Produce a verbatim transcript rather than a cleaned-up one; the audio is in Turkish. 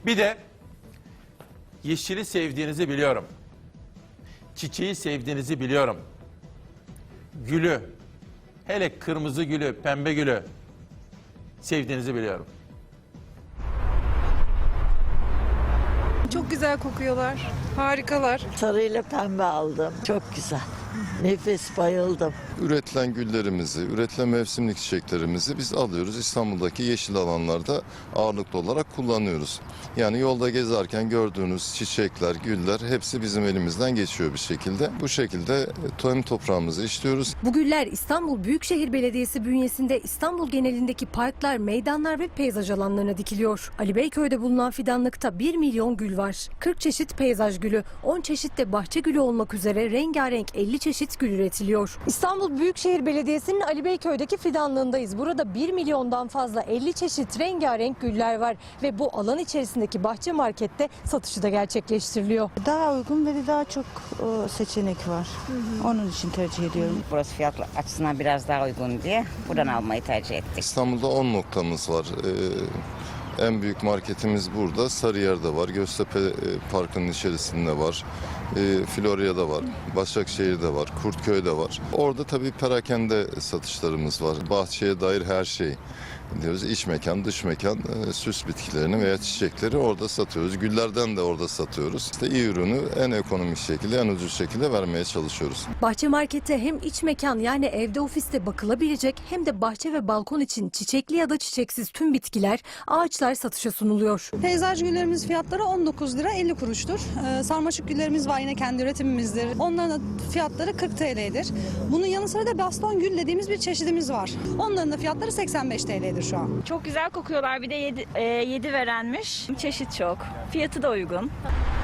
Bir de yeşili sevdiğinizi biliyorum. Çiçeği sevdiğinizi biliyorum. Gülü, hele kırmızı gülü, pembe gülü sevdiğinizi biliyorum. Çok güzel kokuyorlar. Harikalar. Sarıyla pembe aldım. Çok güzel. Nefis, bayıldım. Üretilen güllerimizi, üretilen mevsimlik çiçeklerimizi biz alıyoruz. İstanbul'daki yeşil alanlarda ağırlıklı olarak kullanıyoruz. Yani yolda gezerken gördüğünüz çiçekler, güller hepsi bizim elimizden geçiyor bir şekilde. Bu şekilde tohum toprağımızı işliyoruz. Bu güller İstanbul Büyükşehir Belediyesi bünyesinde İstanbul genelindeki parklar, meydanlar ve peyzaj alanlarına dikiliyor. Ali Beyköy'de bulunan fidanlıkta bir milyon gül var. kırk çeşit peyzaj gülü, on çeşit de bahçe gülü olmak üzere rengarenk elli çeşit gül üretiliyor. İstanbul Büyükşehir Belediyesi'nin Ali Beyköy'deki fidanlığındayız. Burada bir milyondan fazla elli çeşit rengarenk güller var ve bu alan içerisindeki bahçe markette satışı da gerçekleştiriliyor. Daha uygun ve de daha çok e, seçenek var. Hı hı. Onun için tercih ediyorum. Burası fiyat açısından biraz daha uygun diye buradan almayı tercih ettik. İstanbul'da on noktamız var. Ee, en büyük marketimiz burada. Sarıyer'de var. Göztepe e, Parkı'nın içerisinde var. E, Florya'da var. Başakşehir'de var. Kurtköy'de var. Orada tabii perakende satışlarımız var. Bahçeye dair her şey diyoruz. İç mekan, dış mekan, e, süs bitkilerini veya çiçekleri orada satıyoruz. Güllerden de orada satıyoruz. İşte iyi ürünü en ekonomik şekilde, en ucuz şekilde vermeye çalışıyoruz. Bahçe markette hem iç mekan yani evde ofiste bakılabilecek hem de bahçe ve balkon için çiçekli ya da çiçeksiz tüm bitkiler, ağaçlar satışa sunuluyor. Peyzaj güllerimiz fiyatları on dokuz lira elli kuruştur. Ee, sarmaşık güllerimiz var, yine kendi üretimimizdir. Onların fiyatları kırk T L'dir. Bunun yanı sıra da baston gül dediğimiz bir çeşidimiz var. Onların da fiyatları seksen beş T L'dir şu an. Çok güzel kokuyorlar. Bir de yedi, e, yedi verenmiş. Çeşit çok. Fiyatı da uygun.